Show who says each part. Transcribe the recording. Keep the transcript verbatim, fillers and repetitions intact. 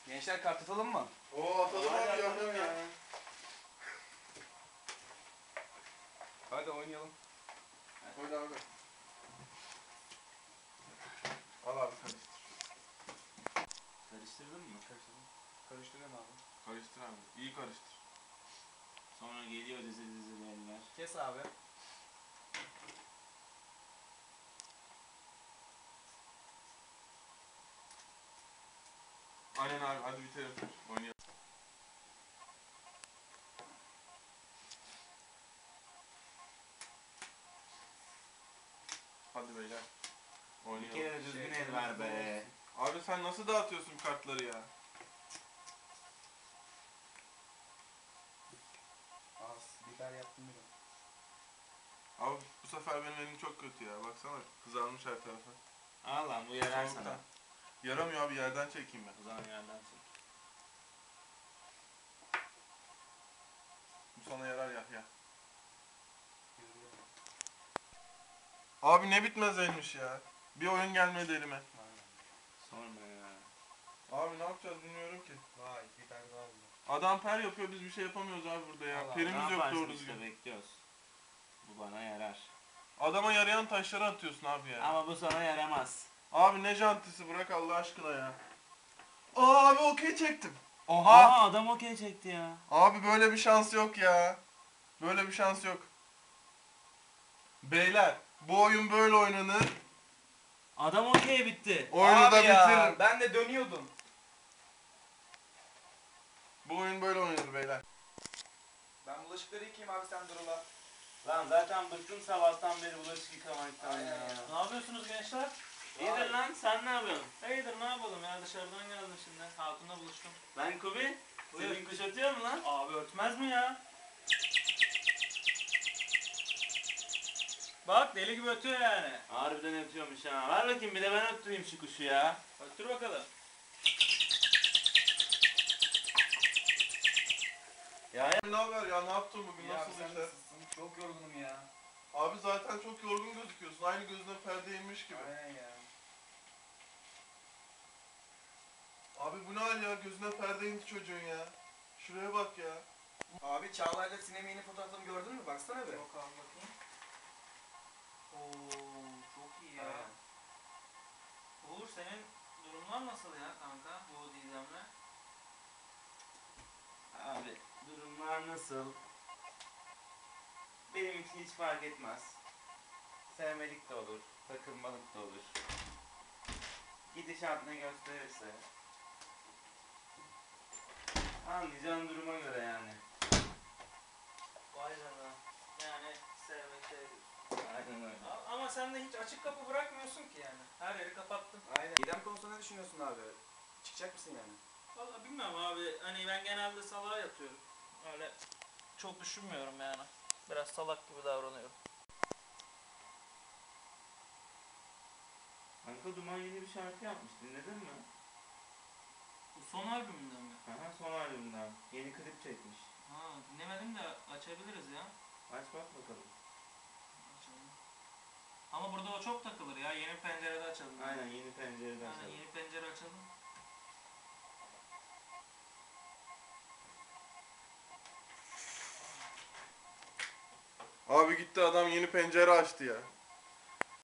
Speaker 1: Gençler kart atalım mı?
Speaker 2: Oo atalım abi yapalım ya.
Speaker 1: Hadi oynayalım.
Speaker 2: Oyna abi. Al abi karıştır.
Speaker 3: Karıştırdın mı?
Speaker 1: Karıştırdım. Karıştırıyorum abi.
Speaker 2: Karıştır abi. İyi karıştır.
Speaker 3: Sonra geliyor dizi dizi eller.
Speaker 1: Kes abi.
Speaker 2: Aynen abi hadi bitirelim. Oynayalım. Hadi beyler.
Speaker 3: Bir
Speaker 2: Oynayalım.
Speaker 3: kere de düzgün
Speaker 1: Şey,
Speaker 3: el ver be.
Speaker 2: Abi sen nasıl dağıtıyorsun kartları ya?
Speaker 1: Az biber yaptım bile.
Speaker 2: Abi bu sefer benim elim çok kötü ya. Baksana kızarmış her tarafı.
Speaker 3: Al lan bu yarar
Speaker 2: Soğuktan.
Speaker 3: sana.
Speaker 2: Yaramıyor abi yerden çekeyim ben.
Speaker 3: O zaman yerden çek.
Speaker 2: Bu sana yarar Yahya. Abi ne bitmez elmiş ya. Bir oyun gelmedi elime.
Speaker 1: Aynen.
Speaker 3: Sorma ya.
Speaker 2: Abi ne yapacağız bilmiyorum ki.
Speaker 1: Vay biber daha oldu.
Speaker 2: Adam per yapıyor biz bir şey yapamıyoruz abi burada ya.
Speaker 1: Allah,
Speaker 2: Perimiz
Speaker 3: Ne
Speaker 2: yok
Speaker 3: yaparsın
Speaker 2: doğru
Speaker 3: işte
Speaker 2: düzgün.
Speaker 3: bekliyoruz. Bu bana yarar.
Speaker 2: Adama yarayan taşları atıyorsun abi ya.
Speaker 3: Ama bu sana yaramaz.
Speaker 2: Abi ne jantisi bırak Allah aşkına ya. Aa abi okey çektim. Oha.
Speaker 3: Aa adam okey çekti ya.
Speaker 2: Abi böyle bir şans yok ya. Böyle bir şans yok. Beyler bu oyun böyle oynanır.
Speaker 3: Adam okey bitti.
Speaker 2: Oyunu da
Speaker 1: Abi ya,
Speaker 2: bitiririm.
Speaker 1: ben de dönüyordum.
Speaker 2: Bu oyun böyle oynanır beyler.
Speaker 1: Ben bulaşıkları yıkayayım abi sen dur ulan.
Speaker 3: Lan zaten bıktım sabahtan beri bulaşık yıkamaktan
Speaker 1: Aynen
Speaker 3: ya.
Speaker 1: ya.
Speaker 4: Ne yapıyorsunuz gençler?
Speaker 3: İyidir lan sen ne yapıyorsun?
Speaker 4: İyidir ne yapalım ya dışarıdan geldim şimdi. Hatun'la buluştum.
Speaker 3: Lan Kubi,
Speaker 4: Buyur.
Speaker 3: senin kuş ötüyor mu lan?
Speaker 4: Abi örtmez mi ya? Bak deli gibi ötüyor yani.
Speaker 3: Harbiden ötüyormuş ha. Ver bakayım bir de ben öttüreyim şu kuşu ya.
Speaker 4: Öttür bakalım.
Speaker 3: Ya ya.
Speaker 2: Ne haber ya ne yaptın bugün
Speaker 1: Ya
Speaker 2: nasıl
Speaker 1: sen
Speaker 2: işler?
Speaker 1: nasılsın? Çok yorgunum ya.
Speaker 2: Abi zaten çok yorgun gözüküyorsun. Aynı gözüne perde inmiş gibi.
Speaker 1: Aynen ya.
Speaker 2: Abi bu ne hal ya? Gözüne perde indi çocuğun ya. Şuraya bak ya.
Speaker 1: Abi Çağla'yla Sinem'in yeni fotoğraflarını gördün mü? Baksana bir.
Speaker 4: Yok abi bakayım. Oo çok iyi ya.
Speaker 1: Aynen.
Speaker 4: Uğur senin durumlar nasıl ya kanka bu Didem'le?
Speaker 3: Abi durumlar nasıl? Benim için hiç fark etmez. Sevmelik de olur, takılmalık da olur. Gidişat ne gösterirse. Anlayacağın duruma göre yani.
Speaker 4: Vay canına. Yani sevmek sevdik.
Speaker 3: Aynen öyle.
Speaker 4: A- Ama sen de hiç açık kapı bırakmıyorsun ki yani. Her yeri kapattın.
Speaker 1: Aynen. Didem konusunda ne düşünüyorsun abi? Çıkacak mısın yani?
Speaker 4: Vallahi bilmiyorum abi. Hani ben genelde salağa yatıyorum. Öyle çok düşünmüyorum yani. Biraz salak gibi davranıyorum.
Speaker 3: Kanka Duman yeni bir şarkı yapmış, dinledin mi?
Speaker 4: Bu son albümünden mi?
Speaker 3: Aha son albümden. Yeni klip çekmiş.
Speaker 4: Ha dinlemedim de açabiliriz ya.
Speaker 3: Aç bak bakalım.
Speaker 4: Açalım. Ama burada o çok takılır ya. Yeni pencerede açalım.
Speaker 3: Aynen yeni pencereden
Speaker 4: Aynen
Speaker 3: açalım.
Speaker 4: yeni pencere açalım.
Speaker 2: Abi gitti adam yeni pencere açtı ya.